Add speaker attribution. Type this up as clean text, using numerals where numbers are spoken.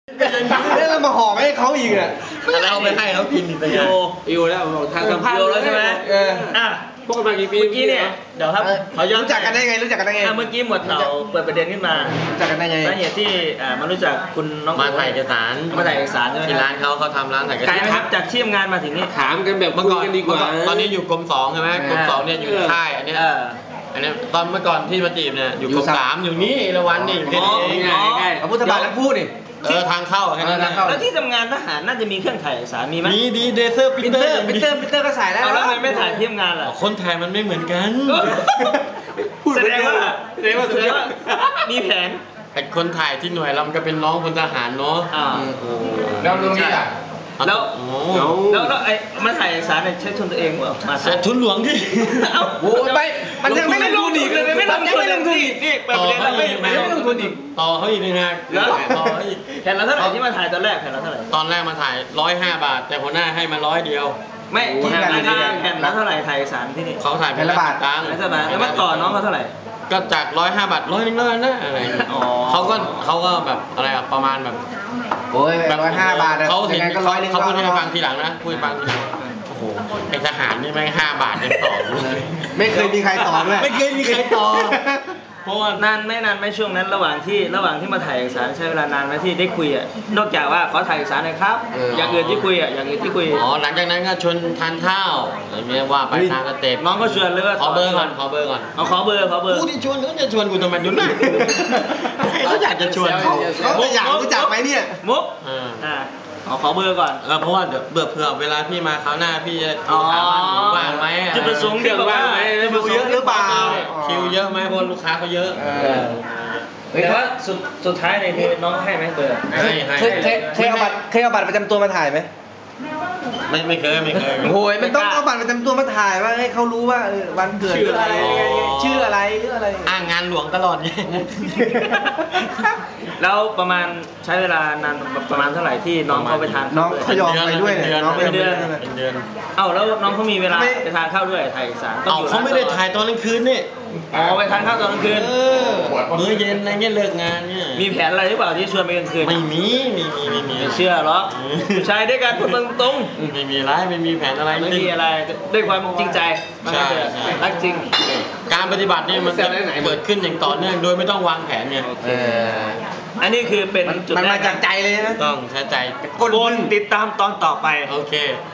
Speaker 1: แล้วเรามาห่อไม่ให้เขาอีกอ่ะ
Speaker 2: อะไรเอาไปให้เขากินอีกเลย
Speaker 3: อยู่แล้วทางสัมภาษณ์แล้วใช่ไหมพวกกันมากี่ปีเมื่อกี้เนี่ย
Speaker 2: เดี๋ยวครับ
Speaker 1: เขารู้จักกันได้ไงเมื่
Speaker 2: อกี้หมวดเราเปิดประเด็นขึ้นมา
Speaker 1: รู้จักกันได้ไง
Speaker 2: สาเหตุที่มารู้จักคุณน้อง
Speaker 4: มาถ่ายเอกสาร
Speaker 2: ใช่ไหม
Speaker 4: ที่ร้านเขาทำร้านถ่ายเอกสาร
Speaker 2: ครับจากที่ทำงานมาถึงนี่
Speaker 3: ถามกันแบบ
Speaker 4: เมื่อก่อนดีกว่าตอนนี้อยู่กรม2ใช่ไหมกรม2เนี่ยอยู่ค่ายอันนี้ตอนเมื่อก่อนที่มาจีบเนี่ยอยู่กรม3อยู่นี่ละวันนี่แค่นี้
Speaker 1: ใกล้พุทธบาทแล้วพูดนี่
Speaker 4: ทางเข้าแค่นั้น
Speaker 2: แล้วที่ทำงานทหารน่าจะมีเครื่องถ่ายเอกสารมีไหม
Speaker 4: มีดีเดเซอร์ปิเตอ
Speaker 1: ร์ก็ใส่แล้ว
Speaker 2: แล้วทำไมไม่ถ่ายที่ทำงานล่ะ
Speaker 4: คนถ่ายมันไม่เหมือนกัน
Speaker 2: แสดงว่ามีแผน
Speaker 4: แต่คนถ่ายที่หน่วยเราก็เป็นน้องพลทหารเนาะ
Speaker 1: แล้วตรงนี้อ่ะ
Speaker 2: แล้วไอ้มาถ่ายเอกสารใช้ทุนตัวเองเปล่า
Speaker 4: ใช้ทุนหลวงที่
Speaker 1: โอ้ไปมันยังไม่ลงทุนอีกเลยไม่ลงทุนอีก
Speaker 2: นี่ประเด็นเราไม่ลงทุนอีก
Speaker 4: ต่อเขาอีกนะต่ออีก
Speaker 2: แผ่นละเท่าไหร่ที่มาถ่ายตอนแรกแผ่นละเท่าไหร่
Speaker 4: ตอนแรกมาถ่าย105 บาทแต่หัวหน้าให้มา100 เดียว
Speaker 2: ไม่ที่แผ่นละเท่าไหร่ถ่ายเอกสารที่นี่
Speaker 4: เขาถ่ายแผ่นละบาทตังค์
Speaker 2: แล้วมาต่อน้องเขาเท่าไหร่
Speaker 4: ก็จาก105 บาท100 นึงแล้วนะอะไรเขาก็แบบอะไรประมาณแบบ
Speaker 1: โอ้ย105 บาท
Speaker 4: เขาเห็นเขาพูดให้ฟังทีหลังนะพูดฟังทีหลังโอ้โหไอ้ทหารนี่แม่ง5 บาทยังต่อ
Speaker 1: ไม่เคยมีใครต่อเลย
Speaker 4: ไม่เคยมีใครต่อ
Speaker 2: เพราะว่านานไม่ช่วงนั้นระหว่างที่มาถ่ายเอกสารใช้เวลานานไหมที่ได้คุยอ่ะนอกจากว่าขอถ่ายเอกสารหน่อยครับอย่างอื่นที่คุย
Speaker 4: หลังจากนั้นก็ชวนทานข้าวอะไรเงี้ยว่าไปทางสเต็ป
Speaker 2: น้องก็ชวนเลยว่า
Speaker 4: ขอเบอร์ก่อน
Speaker 2: เอาขอเบอร์
Speaker 4: กูที่ชวนเขาจะชวนกูทำไมยุ่งหน้าเขาอยากจะชวน
Speaker 1: เขาอยากรู้จักไหมเนี่ย
Speaker 2: มุกขอเบอร์ก่อน
Speaker 4: เพราะว่าเดี๋ยวเผื่อเวลาพี่มาคราวหน้าพี่จะถามว่าว่างไหม
Speaker 2: จุดประสงค์เดียวว่างไหม
Speaker 1: ดูเยอะหรือเปล่า
Speaker 4: คิวเยอะไหมเพราะลูกค้าเขาเยอะ
Speaker 2: แต่ว่าสุดท้ายในที่น้องให้ไหมเบอร์
Speaker 1: เคยเอาบัตรประจำตัวมาถ่ายไหม
Speaker 4: ไม่เคย
Speaker 1: โอ้ยมันต้องเอาบัตรประจำตัวมาถ่ายว่าให้เขารู้ว่าวันเกิดชื่ออะไร
Speaker 4: งานหลวงตลอดเนี่ย
Speaker 2: แล้วประมาณใช้เวลานานประมาณเท่าไหร่ที่น้องเขาไปทาน
Speaker 1: น้องเขายอมไปด้วย
Speaker 4: น้องเป็นเดือน
Speaker 2: แล้วน้องเขามีเวลาไปทานข้าวด้วยถ่ายเอกสาร
Speaker 4: เขาไม่ได้ถ่ายตอนกลางคืนนี่
Speaker 2: ไปทานข้าวตอนกลางคืน
Speaker 4: มื้อเย็นอะไรเงี้ยเลิกงานเนี่ย
Speaker 2: มีแผนอะไรหรือเปล่าที่ชวนไปกลางคืน
Speaker 4: ไม่มี
Speaker 2: เชื่อหรอชายด้วยกันพูดตรง
Speaker 4: ไม่มีแผนอะไร
Speaker 2: ไม่มีอะไรด้วยความจริงใจรักจริง
Speaker 4: การปฏิบัตินี่มันจะเกิดขึ้นอย่างต่อเนื่องโดยไม่ต้องวางแผนไง
Speaker 2: อันนี้คือเป็น
Speaker 1: จุดมันมาจากใจเลยนะ
Speaker 4: ต้องใช้ใจ
Speaker 2: กดติดตามตอนต่อไป
Speaker 4: โอเค